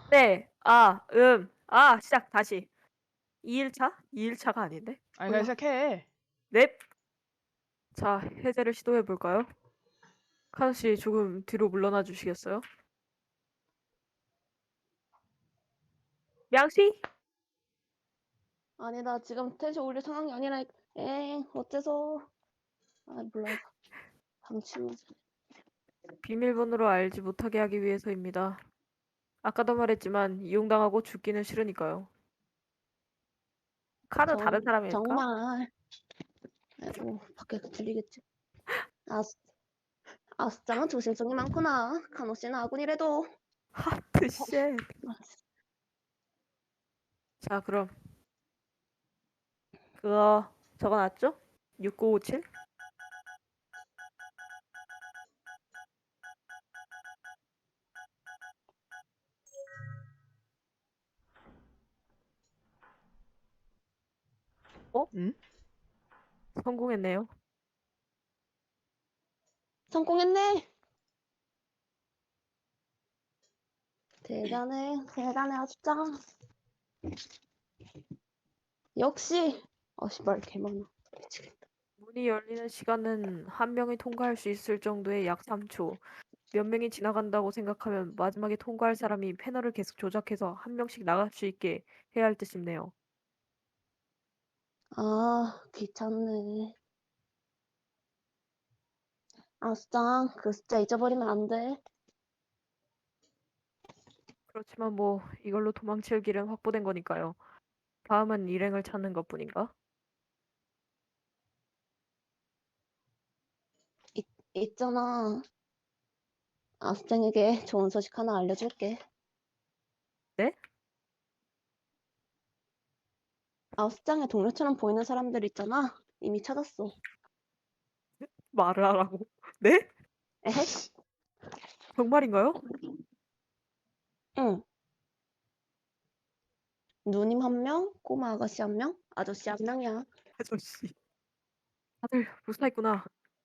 네. 시작 다시. 2일차? 2일차가 아닌데? 아니 그냥 몰라. 시작해. 넵. 자, 해제를 시도해 볼까요? 카드 씨 조금 뒤로 물러나 주시겠어요? 양씨? 아니 나 지금 텐션 올릴 상황이 아니라. 어째서. 아 몰라. 방치는. 비밀번호로 알지 못하게 하기 위해서입니다. 아까도 말했지만 이용당하고 죽기는 싫으니까요. 카드 다른 사람일까? 정말. 아이고 밖에 들리겠지. 아스 아스짱은 조심성이 많구나. 간호씨는 아군이래도. 하트 쉣. 아, 자, 그럼 그거 적어놨죠? 6957? 어? 응? 성공했네요. 성공했네. 대단해 아스짱. 역시. 말 개많아. 미치겠다. 문이 열리는 시간은 한 명이 통과할 수 있을 정도의 약 3초. 몇 명이 지나간다고 생각하면 마지막에 통과할 사람이 패널을 계속 조작해서 한 명씩 나갈 수 있게 해야 할 뜻이네요. 아 귀찮네. 아스짱 그 숫자 잊어버리면 안 돼. 그렇지만 뭐 이걸로 도망칠 길은 확보된 거니까요. 다음은 일행을 찾는 것뿐인가? 있잖아. 아스짱에게 좋은 소식 하나 알려줄게. 네? 아스짱의 동료처럼 보이는 사람들 있잖아. 이미 찾았어. 말을 하라고. 네? 에헤? 정말인가요? 응. 누님 한 명, 꼬마 아가씨 한 명, 아저씨 한 명이야. 아저씨. 다들 무사했구나.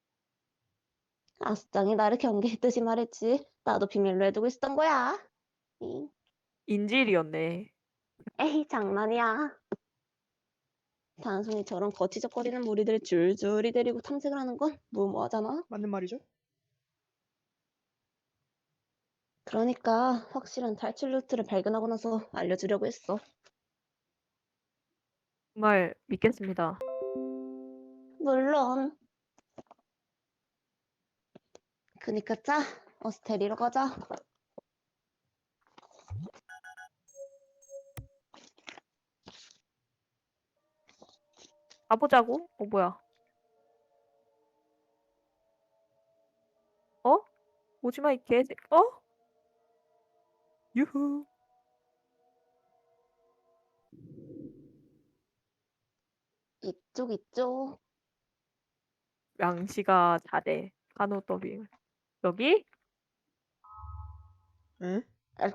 아스짱이 나를 경계했듯이 말했지. 나도 비밀로 해두고 있었던 거야. 인질이었네. 에이, 장난이야. 단순히 저런 거치적거리는 무리들을 줄줄이 데리고 탐색을 하는 건 무모하잖아. 맞는 말이죠? 그러니까 확실한 탈출 루트를 발견하고 나서 알려주려고 했어. 정말 믿겠습니다. 물론. 그니까 짜. 어서 데리러 가자. 가보자고? 뭐야? 어? 오지마 이 개새. 어? 유후. 이쪽. 양씨가 잘해. 간호 더빙. 여기? 응?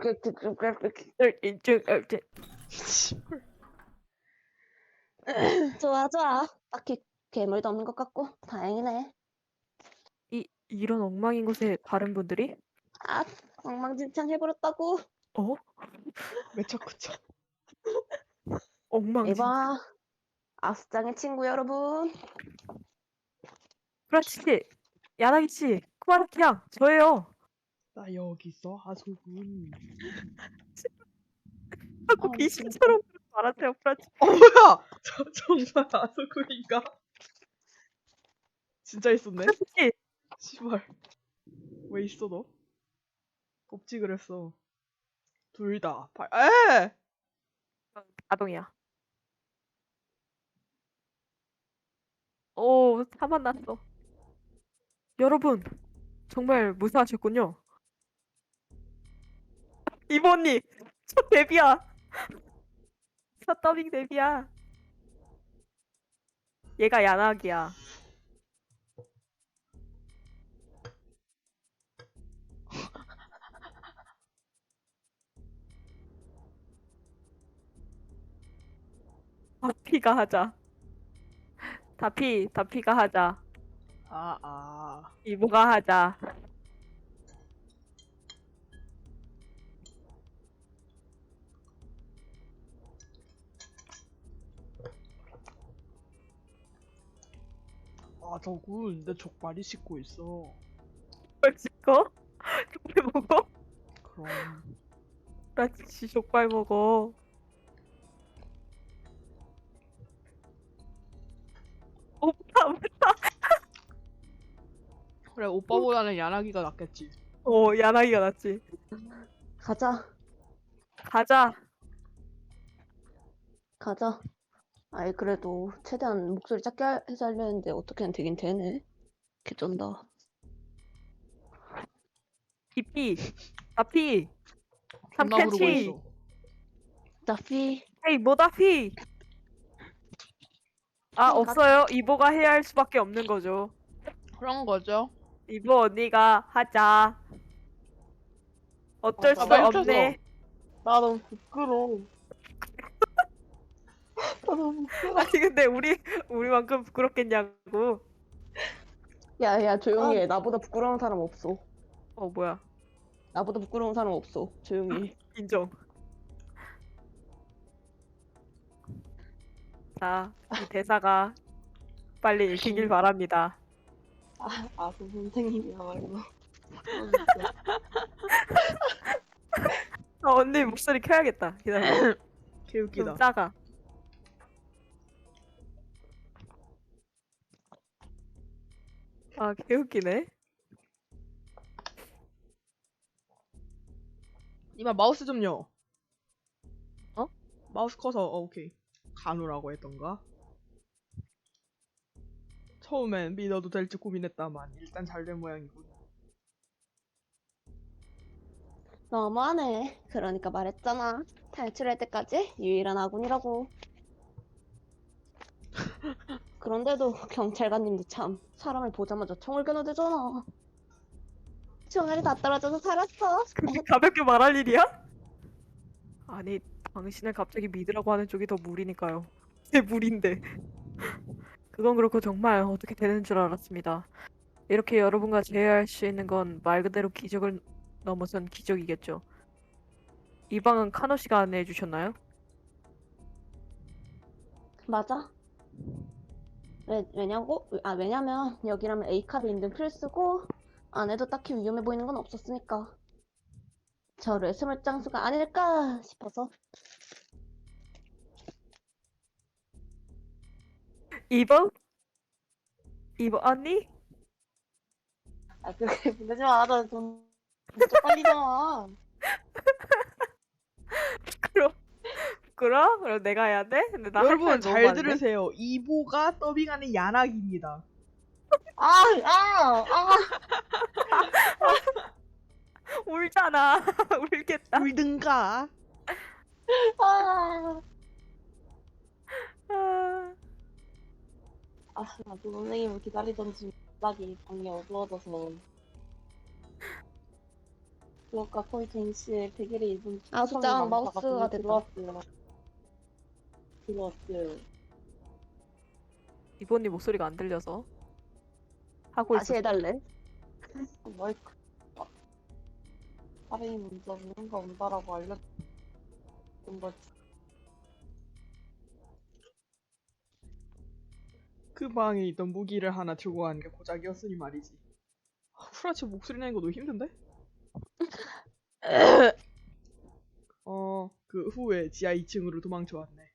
인증 씨발. 좋아. 딱히 괴물도 없는 것 같고 다행이네. 이런 엉망인 곳에 다른 분들이? 아, 엉망진창 해버렸다고. 어? 매차쿠차. 엉망진창. 이봐, 아스짱의 친구 여러분. 브라치씨, 야나기씨, 쿠마라키양, 저예요. 나 여기 있어 하소군. 자꾸 아, 미치겠다. 귀신처럼 말하세요, 브라치. 뭐야? 정말 하소군인가? 진짜 있었네? 브라치씨, 씨발. 왜 있어 너? 없지 그랬어. 둘 다. 에! 아동이야. 오, 사만 났어. 여러분, 정말 무사하셨군요. 이모님, 저 데뷔야. 저 더빙 데뷔야. 얘가 야나기야. 다피가 하자. 다피가 하자. 아. 이모가 하자. 저군 내 족발이 씻고 있어. 족발 찍어? 족발 먹어? 그럼 라치 족발 먹어. 오빠, 그래 오빠보다는 야나기가 낫겠지. 야나기가 낫지. 가자, 가자. 가자. 아이, 그래도 최대한 목소리 작게 해서 하려 했는데 어떻게든 되긴 되네. 개쩐다. 피피. 나피. 존나 부르고 삼캔치. 있어. 나피. 헤이, 뭐다, 피. 아, 없어요. 이보가 해야 할 수밖에 없는 거죠. 그런 거죠. 이보 언니가 하자. 어쩔 수 나 없네. 나 너무 부끄러워. 나 너무 부끄러워. 아니 근데 우리만큼 부끄럽겠냐고. 야, 조용히 해. 나보다 부끄러운 사람 없어. 뭐야? 나보다 부끄러운 사람 없어. 조용히 해. 인정. 자, 이 대사가 빨리 읽히길 바랍니다. 그 선생님이야말로. 언니 목소리 켜야겠다. 기다려. 개웃기다. 좀 작아. 아, 개웃기네. 이마 마우스 좀요. 어? 마우스 커서 오케이. 가누라고 했던가? 처음엔 믿어도 될지 고민했다만 일단 잘 된 모양이군. 너무하네. 그러니까 말했잖아. 탈출할 때까지 유일한 아군이라고. 그런데도 경찰관님도 참 사람을 보자마자 총을 겨누대잖아. 총알이 다 떨어져서 살았어. 그게 가볍게 말할 일이야? 아니, 당신을 갑자기 믿으라고 하는 쪽이 더 무리니까요. 제 무리인데. 그건 그렇고 정말 어떻게 되는 줄 알았습니다. 이렇게 여러분과 재회할 수 있는 건 말 그대로 기적을 넘어선 기적이겠죠. 이 방은 카노 씨가 안내해 주셨나요? 맞아. 왜냐면 여기라면 A카드 인증 필수고 안에도 딱히 위험해 보이는 건 없었으니까. 저를 스물장수가 아닐까 싶어서. 이보? 이보 언니? 그렇게 부르지 마. 나돈 진짜 빨리잖아. 부끄러워? 그럼 내가 해야 돼? 근데 나 여러분 할 잘 말 너무 많은데? 들으세요. 이보가 더빙하는 야나기입니다. 울잖아. 울겠다. 울든가. 아, 아, 나도 선생님을 기다리던 중 갑자기 방이 어두워져서 그러니까 거의 동시에 베개를 입은 진짜 마우스가 들어왔어요. 이보 언니 목소리가 안 들려서 하고 있어. 다시 해달래. 마이크. 사람이 먼저 누군가 온다라고 알려준 거지. 그 방에 있던 무기를 하나 들고 가는 게 고작이었으니 말이지. 후라치 목소리 내는 거 너무 힘든데? 그 후에 지하 2층으로 도망쳐 왔네.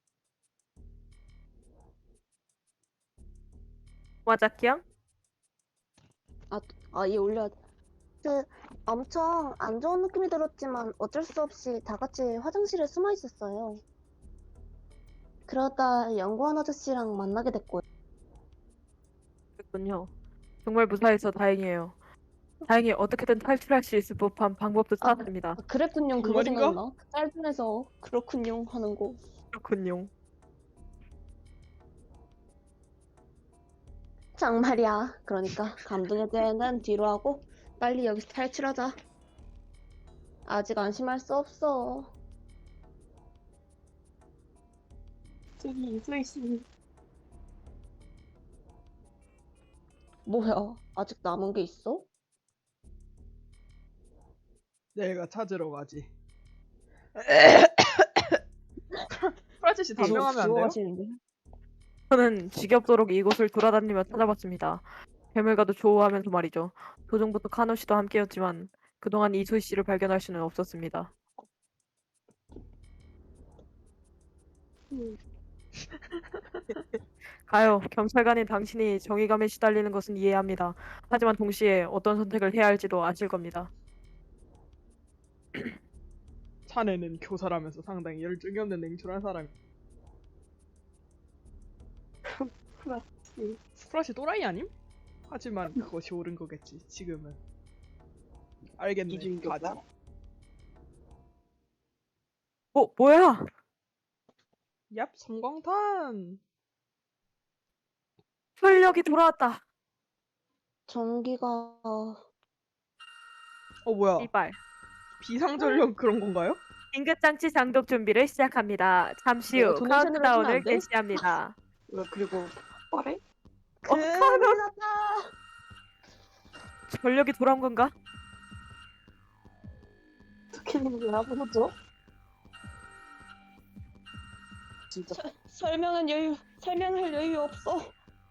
와자키양? 얘 올려. 엄청 안 좋은 느낌이 들었지만 어쩔 수 없이 다 같이 화장실에 숨어 있었어요. 그러다 연구원 아저씨랑 만나게 됐고요. 그렇군요. 정말 무사해서 다행이에요. 다행히 어떻게든 탈출할 수 있을 법한 방법도 찾았습니다. 그랬군요. 그거 정말인가? 생각나? 짧은에서 그렇군요 하는 거. 그렇군요. 정말이야. 그러니까 감동의 대회는 뒤로 하고 빨리 여기서 탈출하자. 아직 안심할 수 없어. 저기 이수희씨. 뭐야? 아직 남은 게 있어? 내가 찾으러 가지. 후라치 씨 답변하면 안 돼요? 죽어가시는데. 저는 지겹도록 이곳을 돌아다니며 찾아봤습니다. 괴물과도 조우하면서 말이죠. 도중부터 카노 씨도 함께였지만 그동안 이소희 씨를 발견할 수는 없었습니다. 가요. 경찰관인 당신이 정의감에 시달리는 것은 이해합니다. 하지만 동시에 어떤 선택을 해야 할지도 아실 겁니다. 자네는 교사라면서 상당히 열정이 없는 냉철한 사람이. 프라시 또라이 아님? 하지만 그것이 옳은 거겠지. 지금은. 알겠네. 이중교사? 가자. 뭐야? 얍, 성광탄. 활력이 돌아왔다. 전기가 뭐야? 이발. 비상전력 그런 건가요? 긴급장치 장독 준비를 시작합니다. 잠시 이거 후 도네이션으로 주면 안 카운트다운을 돼? 개시합니다. 그리고 뻘에? 큰일 났다. 전력이 돌아온 건가? 어떻게 된 거야 보죠? 진짜 설명할 여유 없어.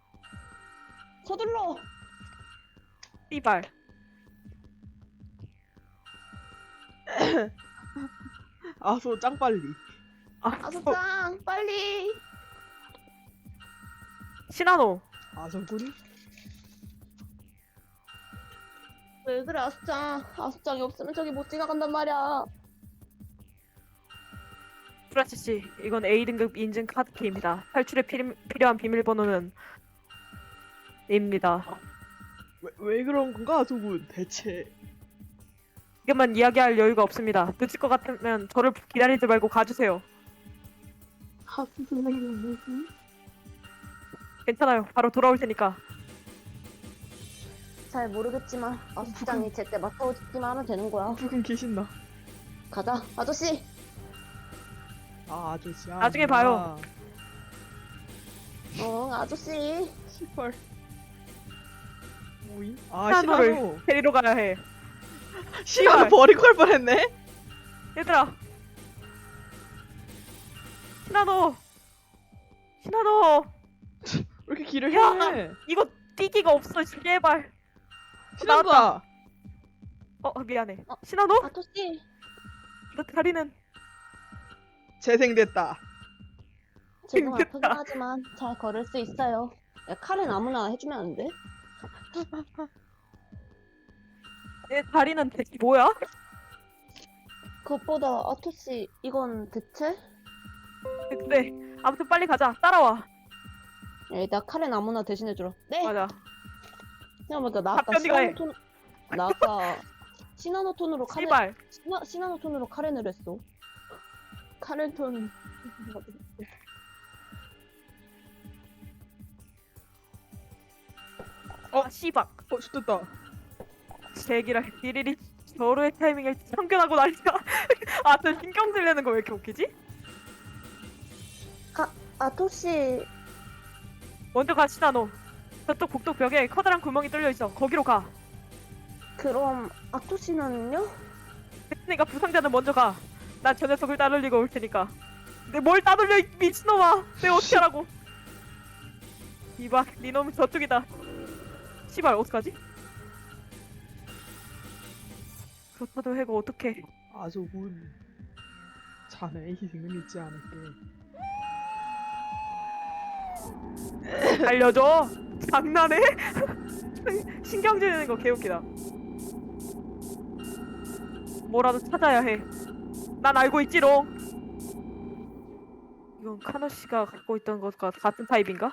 서둘러. 이발. 아소 짱빨리. 아소짱 빨리. 시나노. 아소군? 왜 그래 아소짱. 아소짱이 없으면 저기 못 지나간단 말이야. 프라치 씨, 이건 A등급 인증 카드키입니다. 탈출에 필요한 비밀번호는 입니다. 왜 그런 건가 아소군? 대체. 이것만 이야기할 여유가 없습니다. 늦을 것 같으면 저를 기다리지 말고 가주세요. 하수 선생님 무슨? 괜찮아요. 바로 돌아올 테니까. 잘 모르겠지만 아소짱이 제때 맞서주기만 하면 되는 거야. 부금 계신다. 가자 아저씨. 아저씨. 나중에 봐요. 응 아저씨. 시펄. 뭐임? 시나노를 시나노. 데리러 가야 해. 시나노 버리고 갈 뻔했네. 얘들아. 시나노. 시나노. 왜 이렇게 길을 야! 해? 이거 뛰기가 없어. 제발. 시나노다. 미안해. 어? 시나노? 아저씨. 너 다리는 재생됐다. 지금 아프긴 힘들다. 하지만 잘 걸을 수 있어요. 야, 칼은 아무나 해주면 안 돼? 내 다리는 대체 뭐야? 그것보다 아토씨 이건 대체? 그래. 아무튼 빨리 가자. 따라와. 일단 칼은 아무나 대신해주라. 네. 맞아. 생각해보니까 나 아까 답변이가 해. 나 아까 시나노톤으로 카렌 씨발. 시나노톤으로 카렌을 했어. 카렌톤. 씨발. 좋됐다. 제기라 디리리 저로의 타이밍을 참견하고 난리야. 저 신경 쓰려는 거 왜 이렇게 웃기지? 아토씨 먼저 가, 시나노. 저쪽 복도 벽에 커다란 구멍이 뚫려 있어. 거기로 가. 그럼 아토씨는요? 그러니까 부상자는 먼저 가. 난 저 녀석을 따돌리고 올 테니까. 근데 뭘 따돌려, 이 미친놈아. 내가 어떻게 하라고. 이봐, 네 놈은 저쪽이다. 씨발, 어떡하지? 그렇다도 해고 어떡해. 아소군. 자네의 희생은 잊지 않을게. 알려줘. 장난해? 신경질 내는 거 개웃기다. 뭐라도 찾아야 해. 난 알고 있지롱. 이건 카노 씨가 갖고 있던 것과 같은 타입인가?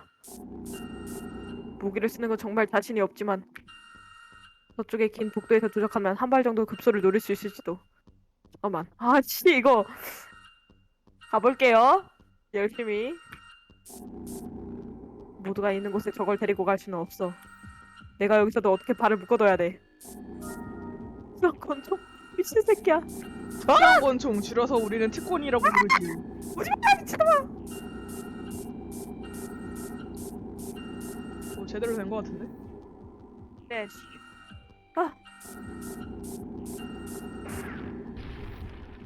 무기를 쓰는 건 정말 자신이 없지만 저쪽에 긴 복도에서 도착하면 한 발 정도 급소를 노릴 수 있을지도. 잠깐만. 이거 가볼게요. 열심히. 모두가 있는 곳에 저걸 데리고 갈 수는 없어. 내가 여기서도 어떻게 발을 묶어둬야 돼. 이런 건좀 미친 새끼야. 시한권총 줄여서 우리는 특권이라고 부르지. 오지마 미친놈아. 제대로 된 거 같은데? 네.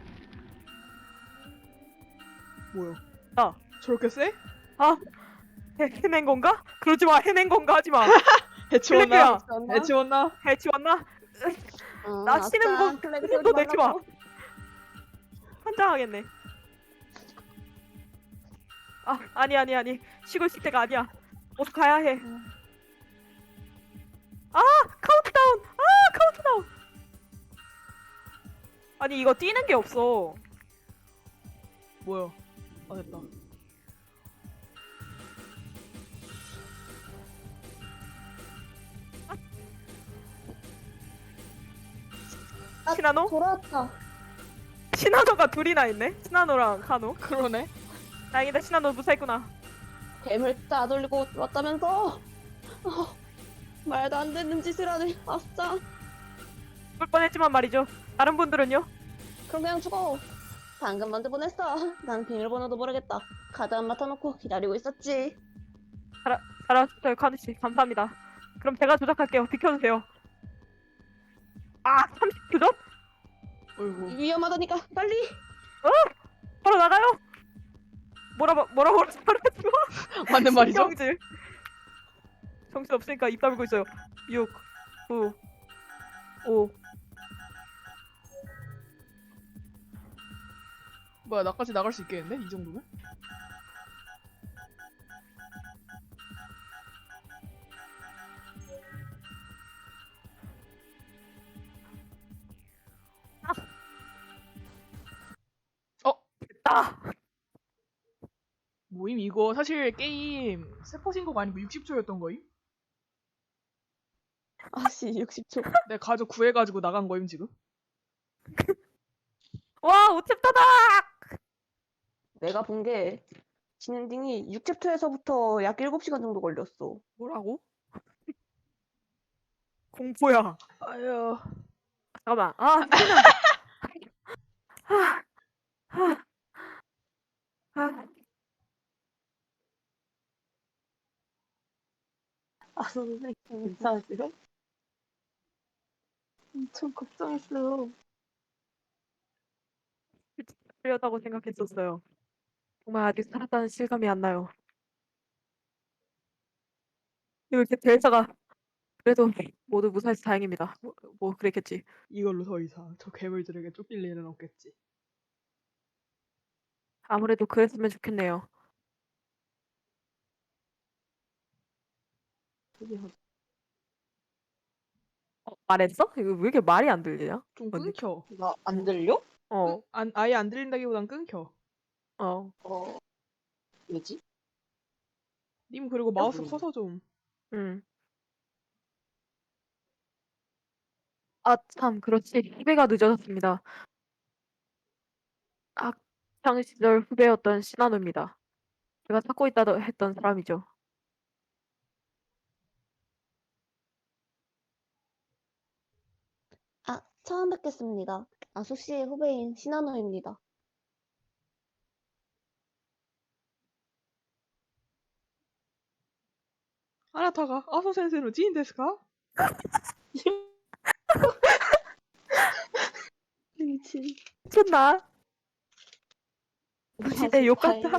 뭐야? 아. 저렇게 세? 해낸 건가? 그러지 마. 해낸 건가 하지 마. 해치웠나? 클레드야. 해치웠나? 해치웠나? 응, 낚시는 거 아싸, 플래그 그런 세우지 거 내지 마. 말라고. 환장하겠네. 아, 아니. 쉬고 있을 때가 아니야. 어서 가야 해. 아, 카운트다운. 아, 카운트다운. 아니, 이거 뛰는 게 없어. 뭐야? 아 됐다. 시나노? 돌아왔다. 시나노가 둘이나 있네. 시나노랑 카노. 그러네. 다행이다. 시나노 무사했구나. 뱀을 따돌리고 왔다면서? 말도 안 되는 짓을 하네. 아싸. 죽을 뻔했지만 말이죠. 다른 분들은요? 그럼 그냥 죽어. 방금 먼저 보냈어. 난 비밀번호도 모르겠다. 카드 안 맡아놓고 기다리고 있었지. 잘하셨어요, 카누 씨. 감사합니다. 그럼 제가 조작할게요. 비켜주세요. 아, 30초? 어이구. 위험하다니까 빨리. 바로 나가요. 뭐라고 말하지 마. 맞는 말이죠? 신경질. 정신 없으니까 입 다물고 있어요. 6, 9, 5. 뭐야 나까지 나갈 수 있겠는데? 이 정도면? 아, 모임 이거 사실 게임 세포 신곡 아니고 60초였던 거임? 아씨 60초. 내 가족 구해가지고 나간 거임 지금? 와, 오챕터다. 내가 본 게 진엔딩이 6챕터에서부터 약 7시간 정도 걸렸어. 뭐라고? 공포야. 아유. 잠깐만. 아, 미친아. 하, 하, 하. 아, 선생님, 괜찮으세요? 엄청 걱정했어요. 하려다고 생각했었어요. 정말 아직 살았다는 실감이 안 나요. 이렇게 대사가 그래도 모두 무사해서 다행입니다. 뭐 그랬겠지. 이걸로 더 이상 저 괴물들에게 쫓길 일은 없겠지. 아무래도 그랬으면 좋겠네요. 드디어 말했어? 이거 왜 이렇게 말이 안 들리냐? 좀 언니? 끊겨. 나안 들려? 어, 아예 안 들린다기보단 끊겨. 어, 왜지? 님 그리고 마우스 모르겠네. 커서 좀. 아, 참, 그렇지. 후배가 늦어졌습니다. 학창 시절 후배였던 신한우입니다. 제가 찾고 있다 했던 사람이죠. 아, 처음 뵙겠습니다. 아소씨의 후배인 시나노입니다. 아나타가 아소 센세노 지인 데스까? 미친. 미쳤나? 무시대 욕 같다.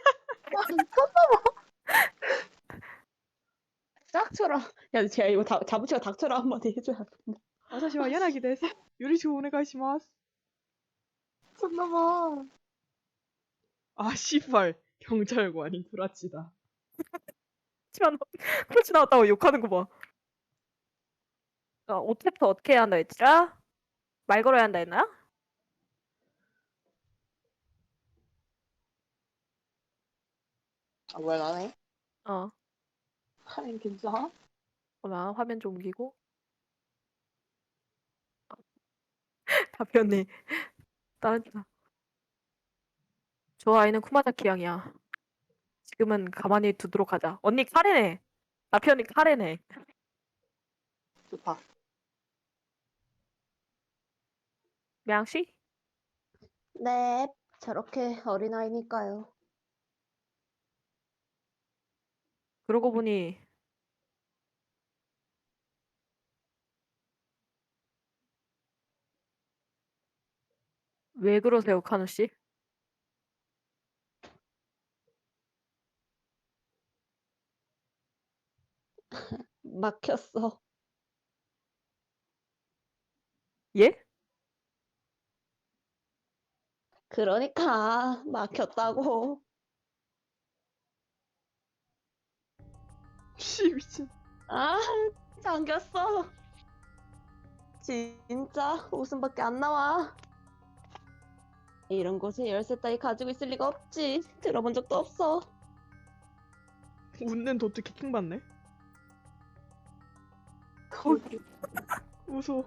닥쳐라. 야, 제가 이거 자부치가 닥쳐라 한마디 해줘야 돼. 아사시와 야나기 데스. 요리시오 오네가이시마스. 손넘어. 아 씨발 경찰관이 구라치다. 그렇지만 그렇지 나왔다고 욕하는 거 봐. 오챕터 어떻게 해야 한다 했지라? 말 걸어야 한다 했나? 아, 왜 안 해? 어, 하긴 괜찮아? 잠깐만 화면 좀 옮기고. 답변이 다른 차. 저 아이는 쿠마자키 양이야. 지금은 가만히 두도록 하자. 언니 카레네. 남편이 카레네. 좋다. 명씨? 네, 저렇게 어린아이니까요. 그러고 보니 왜 그러세요, 카누 씨? 막혔어. 예? 그러니까 막혔다고. 씨 미친. 아, 잠겼어. 진짜 웃음밖에 안 나와. 이런 곳에 열쇠 따위 가지고 있을 리가 없지. 들어본 적도 없어. 웃는 도트 키킹받네. 웃어.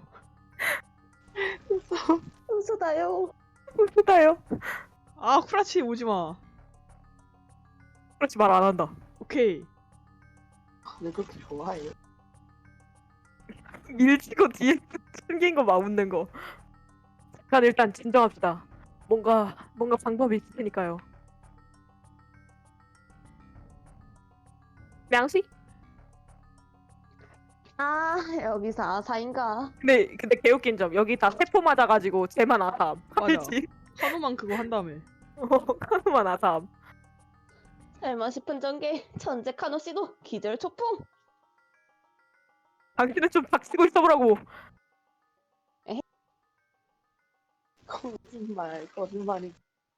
웃으다요. 웃다요. 아 쿠라치 오지마. 그렇지 말 안 한다. 오케이. 왜 그렇게 좋아해? 밀치고 뒤에 숨긴 거 막 웃는 거. 잠깐 일단 진정합시다. 뭔가 방법이 있을 테니까요. 명시? 아, 여기서 아사인가? 근데 개웃긴 점 여기 다 세포 맞아가지고 쟤만 아삼. 맞아. 알지? 한우만 그거 한 다음에. 카누만 아삼. 설마 싶은 전개 천재 카노 씨도 기절 초풍. 당신은 좀 닥치고 있어보라고. 거짓말이.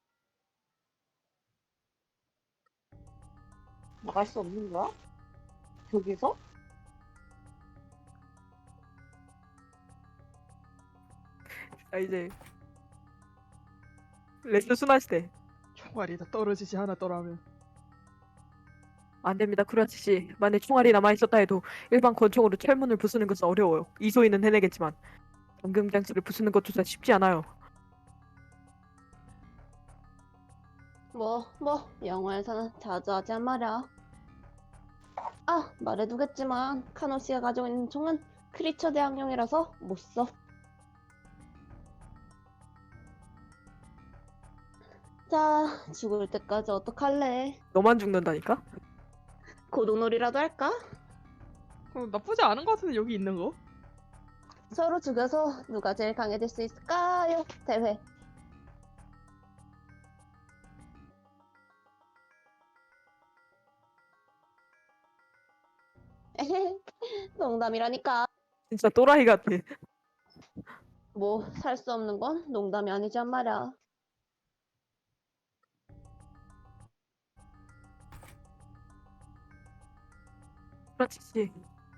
나갈 수 없는 거야? 여기서? 자 이제 레스 순환 시대. 총알이 다 떨어지지 않았더라면. 안 됩니다, 쿠라치 씨. 만약 총알이 남아 있었다 해도 일반 권총으로 철문을 부수는 것은 어려워요. 이소희는 해내겠지만 잠금 장치를 부수는 것조차 쉽지 않아요. 영화에서는 자주 하지 말이야. 아, 말해두겠지만 카노 씨가 가지고 있는 총은 크리처 대항용이라서 못 써. 자, 죽을 때까지 어떡할래? 너만 죽는다니까? 고동놀이라도 할까? 나쁘지 않은 것 같은데 여기 있는 거? 서로 죽여서 누가 제일 강해질 수 있을까요? 대회. 농담이라니까. 진짜 또라이 같아. 살 수 없는 건 농담이 아니지 한 말이야. 쿠라치 씨.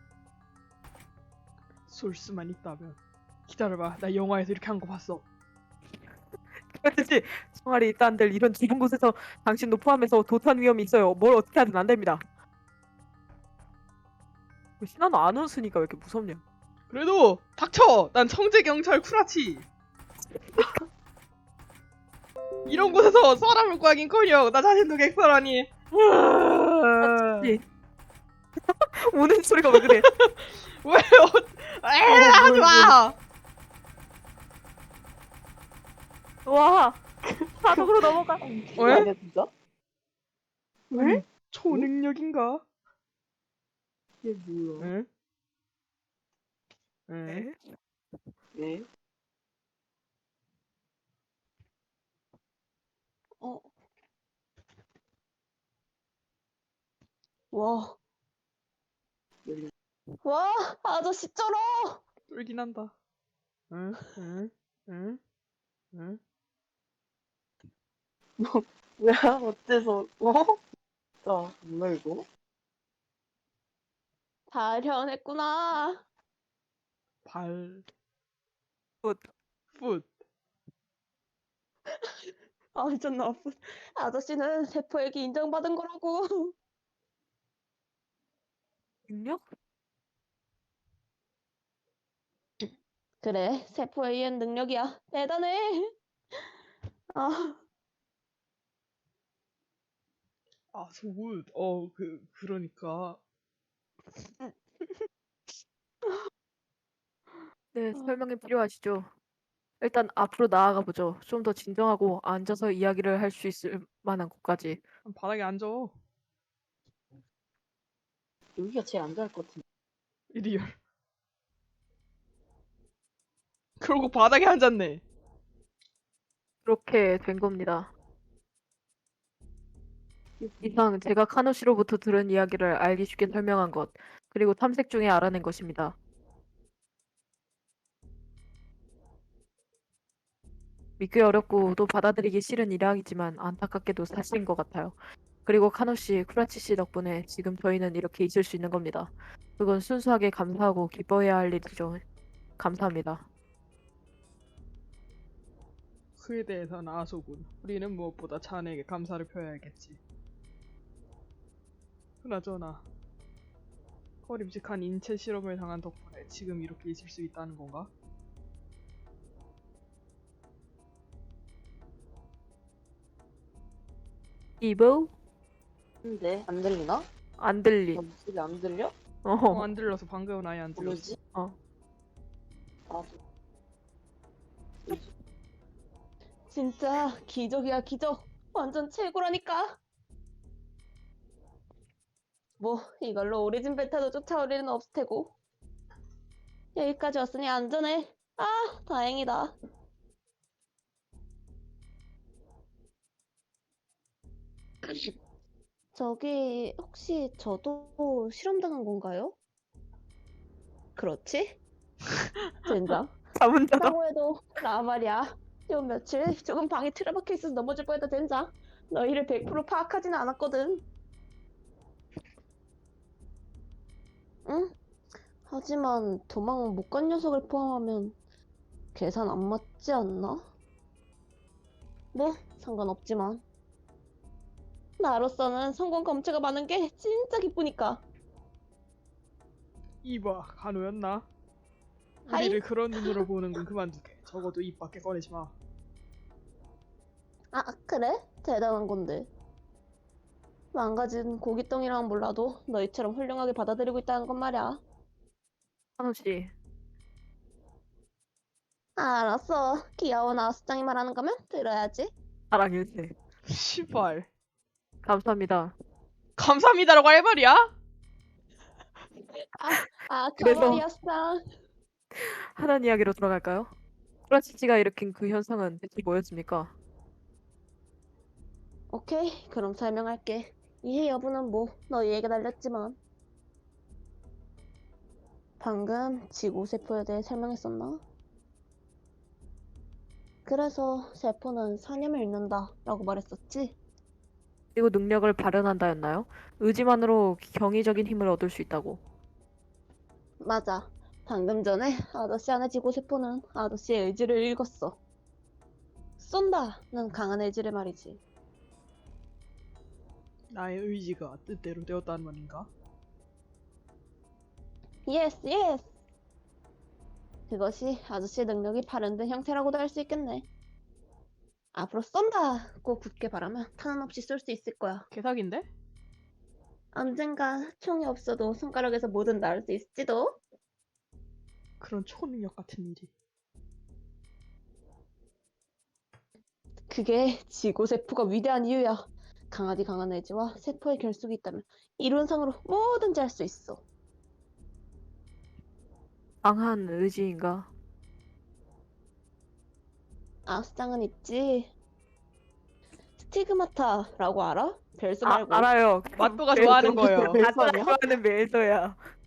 쏠 수만 있다면. 기다려봐. 나 영화에서 이렇게 한 거 봤어. 쿠라치 씨. 총알이 있다 한들 이런 좁은 곳에서 당신도 포함해서 도탄 위험이 있어요. 뭘 어떻게 하든 안 됩니다. 신하는 안 웃으니까 왜 이렇게 무섭냐? 그래도 닥쳐! 난 청재 경찰 쿠라치. 이런 곳에서 사람을 구하긴커녕 나 자신도 객사라니. 쿠라치 씨. 우는 소리가 왜 그래? 왜요? 하지 마. 와. 사독으로 넘어가. 왜? 아니야 진짜? 왜? 초능력인가? 이게 뭐야? 응? 응? 왜? 어. 와, 왜? 와, 아저씨 쩔어. 쫄긴 한다. 응? 응? 응? 응? 뭐야? 어째서? 진짜 뭐야 이거? 발현했구나. 발... 굿. 풋. 아, 전 나쁜. 아저씨는 세포에게 인정받은 거라고. 능력? 그래, 세포에 의한 능력이야. 대단해. 아, 아, 소굿. 그러니까. 네, 설명이 필요하시죠? 일단 앞으로 나아가 보죠. 좀 더 진정하고 앉아서 이야기를 할 수 있을 만한 곳까지. 바닥에 앉아. 여기가 제일 안 좋아할 것 같은데. 이리얼. 그러고 바닥에 앉았네. 그렇게 된 겁니다. 이상 제가 카노 씨로부터 들은 이야기를 알기 쉽게 설명한 것. 그리고 탐색 중에 알아낸 것입니다. 믿기 어렵고 또 받아들이기 싫은 일이지만 안타깝게도 사실인 것 같아요. 그리고 카노 씨, 쿠라치 씨 덕분에 지금 저희는 이렇게 있을 수 있는 겁니다. 그건 순수하게 감사하고 기뻐해야 할 일이죠. 감사합니다. 그에 대해서는 아소군. 우리는 무엇보다 자네에게 감사를 표해야겠지. 그나저나 꺼림직한 인체 실험을 당한 덕분에 지금 이렇게 있을 수 있다는 건가? 이보? 근데 안 들리나? 안 들리. 나 목소리 안 들려? 안 들려서 방금은 아예 안 들렸어. 뭐지? 어. 나도. 진짜 기적이야, 기적. 완전 최고라니까. 뭐 이걸로 오리진 베타도 쫓아올 일은 없을 테고. 여기까지 왔으니 안전해. 아, 다행이다. 저기 혹시 저도 실험당한 건가요? 그렇지? 젠장. 자문자다. 라고 해도 나 말이야. 요 며칠 조금 방에 틀어박혀 있어서 넘어질 뻔했다 젠장. 너희를 100% 파악하지는 않았거든. 응? 하지만 도망 못 간 녀석을 포함하면 계산 안 맞지 않나? 뭐 상관없지만 나로서는 성공 검체가 많은 게 진짜 기쁘니까. 이봐, 간호였나? 하이. 우리를 그런 눈으로 보는 건 그만두게. 적어도 입 밖에 꺼내지 마. 아, 그래? 대단한 건데. 망가진 고깃덩이랑은 몰라도 너희처럼 훌륭하게 받아들이고 있다는 건 말이야. 카노 씨, 알았어. 귀여운 아수장이 말하는 거면 들어야지. 사랑일세. 시발. 감사합니다. 감사합니다라고 할 말이야? 그래서- 가만히 아수장. 하단 이야기로 돌아갈까요? 쿠라치 씨가 일으킨 그 현상은 대체 뭐였습니까? 오케이, 그럼 설명할게. 이해 여부는 뭐 너희에게 달렸지만. 방금 지구세포에 대해 설명했었나? 그래서 세포는 사념을 잃는다 라고 말했었지? 그리고 능력을 발현한다였나요? 의지만으로 경이적인 힘을 얻을 수 있다고. 맞아. 방금 전에 아저씨 안의 지구세포는 아저씨의 의지를 읽었어. 쏜다는 강한 의지를 말이지. 나의 의지가 뜻대로 되었다는 말인가? 예스, 예스! 그것이 아저씨의 능력이 발현된 형태라고도 할 수 있겠네. 앞으로 쏜다고 굳게 바라면 탄원 없이 쏠 수 있을 거야. 개사기인데? 언젠가 총이 없어도 손가락에서 뭐든 나올 수 있을지도. 그런 초능력 같은 일이. 그게 지구세포가 위대한 이유야. 강하디 강한 의지와 세포의 결속이 있다면 이론상으로 뭐든지 할 수 있어. 강한 의지인가? 아수장은 있지. 스티그마타라고 알아? 별수 말고. 알아요. 맛도가 좋아하는 거예요. 맛도가 좋아하는 매서야.